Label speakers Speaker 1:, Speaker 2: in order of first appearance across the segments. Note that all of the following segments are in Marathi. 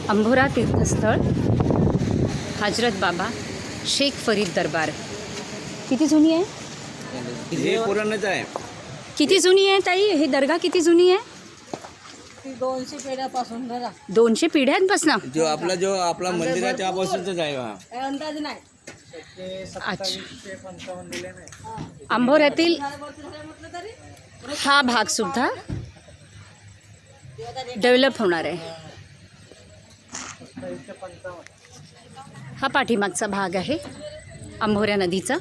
Speaker 1: अंभोरा तीर्थस्थळ हजरत बाबा शेख फरीद दरबार. किती जुनी आहे?
Speaker 2: हे पुराणच आहे.
Speaker 1: किती जुनी आहे ताई? हे दर्गा किती जुनी आहे?
Speaker 3: 200 पिढ्यापासून धरा.
Speaker 1: 200 पिढ्यांपासून.
Speaker 2: जो आपला मंदिर आहे त्यापासूनच आहे हा.
Speaker 3: अंदाज नाही.
Speaker 1: अच्छा. अंभोऱ्यातील हा भाग सुद्धा डेव्हलप होणार आहे. हा पाठीमागचा भाग आहे अंभोऱ्या नदीचा.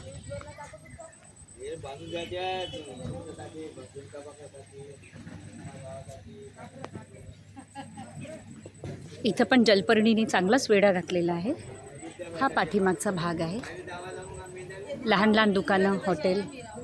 Speaker 1: इथं पण जलपर्णीने चांगलाच वेढा घातलेला आहे. हा पाठीमागचा भाग आहे. लहान लहान दुकानं, हॉटेल.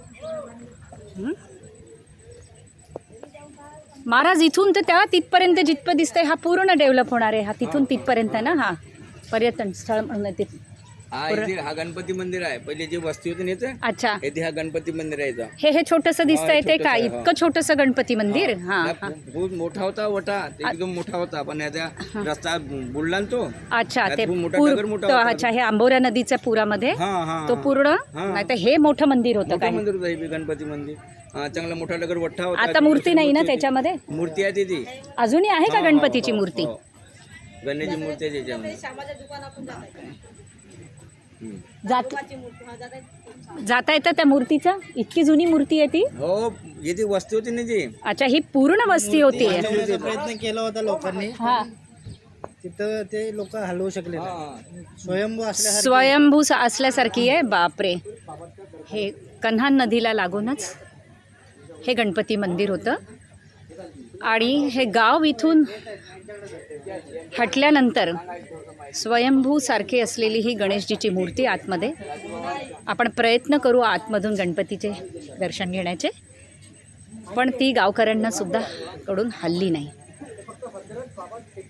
Speaker 1: महाराज इथून तर त्या तिथपर्यंत जिथपर्यंत दिसतंय हा पूर्ण डेव्हलप होणार आहे. हा तिथून तिथपर्यंत ना हा पर्यटन स्थळ म्हणून ते.
Speaker 2: हा गणपती मंदिर आहे. पहिले जे वस्ती होती ना
Speaker 1: अच्छा,
Speaker 2: इथे हा गणपती मंदिर आहे.
Speaker 1: हे छोटंसं दिसतंय ते का? इतकं छोटंसं गणपती मंदिर? हा,
Speaker 2: खूप मोठा होता वटा, एकदम मोठा होता. पण याचा रस्ता बुडला ना तो.
Speaker 1: अच्छा, ते
Speaker 2: मोठा
Speaker 1: पूर.
Speaker 2: नगर मोठा होता.
Speaker 1: अच्छा, हे अंभोऱ्या नदीच्या पुरामध्ये तो पूर्ण. नाही तर हे मोठं मंदिर होतं
Speaker 2: मोठं
Speaker 1: काय?
Speaker 2: मंदिर होतं हे गणपती मंदिर. चांगला मोठा नगर वट्टा होता.
Speaker 1: आता मूर्ती नाही ना त्याच्यामध्ये?
Speaker 2: मूर्ती आहे ती.
Speaker 1: अजूनही आहे का गणपतीची मूर्ती?
Speaker 2: गणेशची मूर्ती आहे त्याच्यामध्ये.
Speaker 1: जाता येतं त्या मूर्तीचं? इतकी जुनी मूर्ती आहे ती?
Speaker 2: हो, येथे वस्ती होती ना ती.
Speaker 1: अच्छा, ही पूर्ण वस्ती होती.
Speaker 4: प्रयत्न केला होता लोकांनी.
Speaker 1: हा,
Speaker 4: तिथं ते लोक हलवू शकले नाही.
Speaker 1: स्वयंभू असल्यासारखी आहे. बापरे. हे कन्हान नदीला लागूनच हे गणपती मंदिर होतं. आणि हे गाव इथून हटल्यानंतर स्वयंभू सारखी असलेली ही गणेशजीची मूर्ती आतमध्ये. आपण प्रयत्न करू आतमधून गणपतीचे दर्शन घेण्याचे, पण ती गावकऱ्यांना सुद्धा कडून हल्ली नाही.